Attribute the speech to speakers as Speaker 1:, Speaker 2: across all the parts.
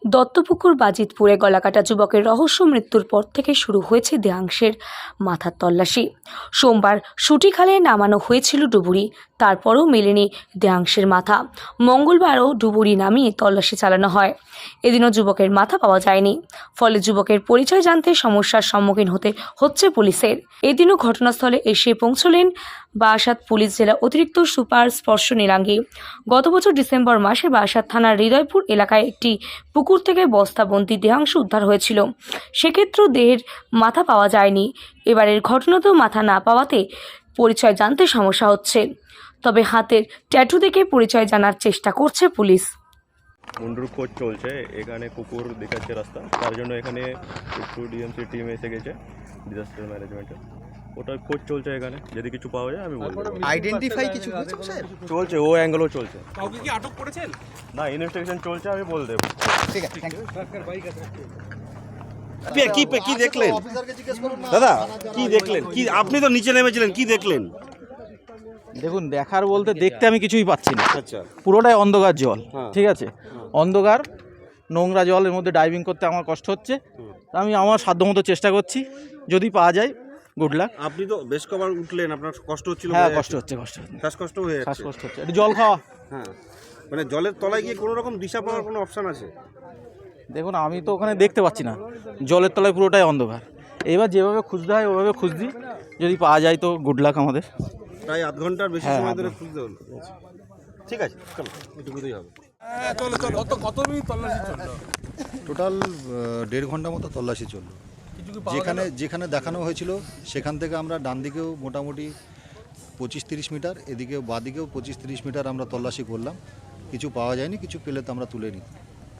Speaker 1: দত্তপুকুর বাজিতপুরে গলাকাটা যুবকের রহস্য মৃত্যুর পর থেকে শুরু হয়েছে দেহাংশের মাথার তল্লাশি। সোমবার সুটিখালে নামানো হয়েছিল ডুবুরি, তারপরও মেলেনি দেহাংশের মাথা। মঙ্গলবারও ডুবুরি নামিয়ে তল্লাশি চালানো হয়, এদিনও যুবকের মাথা পাওয়া যায়নি। ফলে যুবকের পরিচয় জানতে সমস্যার সম্মুখীন হতে হচ্ছে পুলিশের। এদিনও ঘটনাস্থলে এসে পৌঁছলেন বারাসাত পুলিশ জেলা অতিরিক্ত সুপার স্পর্শ নীলাঙ্গী। গত বছর ডিসেম্বর মাসে বারাসাত থানার হৃদয়পুর এলাকায় একটি পুকুর থেকে বস্তাবন্দি দেহাংশ উদ্ধার হয়েছিল। সেক্ষেত্রেও দেহের মাথা পাওয়া যায়নি। এবারের ঘটনাতেও মাথা না পাওয়াতে পরিচয় জানতে সমস্যা হচ্ছে। তবে হাতের ট্যাটু দেখে পরিচয় জানার চেষ্টা করছে পুলিশ।
Speaker 2: মুন্ডুর খোঁজ চলছে, এখানে কুকুর দেখাচ্ছে রাস্তা, তার জন্য এখানে একটু ডিএমসি টিম এসে গেছে, ডিজাস্টার ম্যানেজমেন্টের। ওটার খোঁজ চলছে, এখানে যদি কিছু পাওয়া যায় আমি বলবো।
Speaker 3: আইডেন্টিফাই কিছু হয়েছে স্যার?
Speaker 2: চলছে, ও অ্যাঙ্গেলও চলছে।
Speaker 4: কাউকে কি আটক করেছেন?
Speaker 2: না, ইনভেস্টিগেশন চলছে, আমি বলে দেবো।
Speaker 3: ঠিক আছে, থ্যাংক ইউ।
Speaker 5: কি দেখলেন দাদা? কি দেখলেন? কি আপনি তো নিচে নেমেছিলেন, কি দেখলেন?
Speaker 6: দেখুন, দেখার বলতে দেখতে আমি কিছুই পাচ্ছি না।
Speaker 5: আচ্ছা,
Speaker 6: পুরোটাই অন্ধকার জল।
Speaker 5: হ্যাঁ।
Speaker 6: ঠিক আছে, অন্ধকার নোংরা জলের মধ্যে ডাইভিং করতে আমার কষ্ট হচ্ছে। আমি আমার সাধ্যমতো চেষ্টা করছি, যদি পাওয়া যায় গুড লাক।
Speaker 5: আপনি তো বেশ কবার উঠলেন, আপনার কষ্ট হচ্ছিল?
Speaker 6: হ্যাঁ, কষ্ট হচ্ছে।
Speaker 5: শ্বাসকষ্ট হয়ে যাচ্ছে।
Speaker 6: শ্বাসকষ্ট হচ্ছে, একটু জল খাওয়া।
Speaker 5: হ্যাঁ, মানে জলের তলায় গিয়ে কোনো রকম দিশা পাওয়ার কোনো অপশন আছে?
Speaker 6: দেখুন, আমি তো ওখানে দেখতে পাচ্ছি না, জলের তলায় পুরোটাই অন্ধকার। এবার যেভাবে খুঁজতে হয় ওভাবে খুঁজছি, যদি পাওয়া যায় তো গুড লাক আমাদের।
Speaker 5: প্রায় আধ ঘন্টার বেশি
Speaker 6: হ্যাঁ,
Speaker 5: সময় ধরে খুঁজতে হলো। ঠিক আছে, চলো, এটুকুতেই হবে।
Speaker 4: কত মিনিট তল্লাশি চললো?
Speaker 7: টোটাল 1.5 ঘন্টা মতো তল্লাশি চললো। যেখানে দেখানো হয়েছিল সেখান থেকে আমরা ডান দিকেও মোটামুটি 25-30 মিটার, এদিকেও বাদিকেও 25-30 মিটার আমরা তল্লাশি করলাম। কিছু পাওয়া যায়নি, কিছু পেলে তো আমরা তুলে নিই।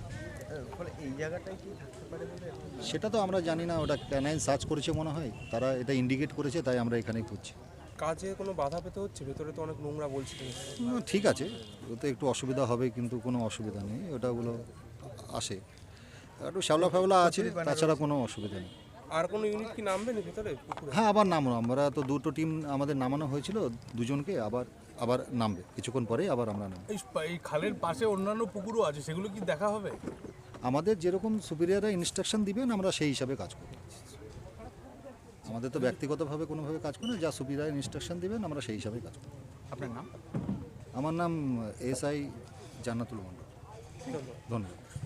Speaker 7: সেটা তো আমরা জানি না, ওটা ক্যানাইন সার্চ করেছে মনে হয়, তারা এটা ইন্ডিকেট করেছে, তাই আমরা এখানেই খুঁজছি।
Speaker 4: কাজে কোনো বাধা পেতে হচ্ছে? ভেতরে তো অনেক নোংরা বলছিল।
Speaker 7: ঠিক আছে, ওতে একটু অসুবিধা হবে, কিন্তু কোনো অসুবিধা নেই, ওটাগুলো আসে, একটু শ্যাওলা ফ্যাওলা আছে, তাছাড়া কোনো অসুবিধা নেই।
Speaker 4: আর কোনো ইউনিট কি নামবে না ভেতরে পুকুরে?
Speaker 7: হ্যাঁ, আবার নামবো। আমরা তো দুটো টিম আমাদের নামানো হয়েছিল, দুজনকে আবার নামবে কিছুক্ষণ পরেই, আবার আমরা নামবো।
Speaker 4: এই খালের পাশে অন্যান্য পুকুরও আছে, সেগুলো কি দেখা হবে?
Speaker 7: আমাদের যেরকম সুপিরিয়ররা ইনস্ট্রাকশন দিবেন আমরা সেই হিসাবে কাজ করব। আমাদের তো ব্যক্তিগতভাবে কোনোভাবে কাজ করি না, যা সুপিরিয়র ইনস্ট্রাকশন দিবেন আমরা সেই হিসাবে কাজ করব।
Speaker 3: আপনার নাম?
Speaker 7: আমার নাম SI জান্নাতুল মন্ডল। ধন্যবাদ।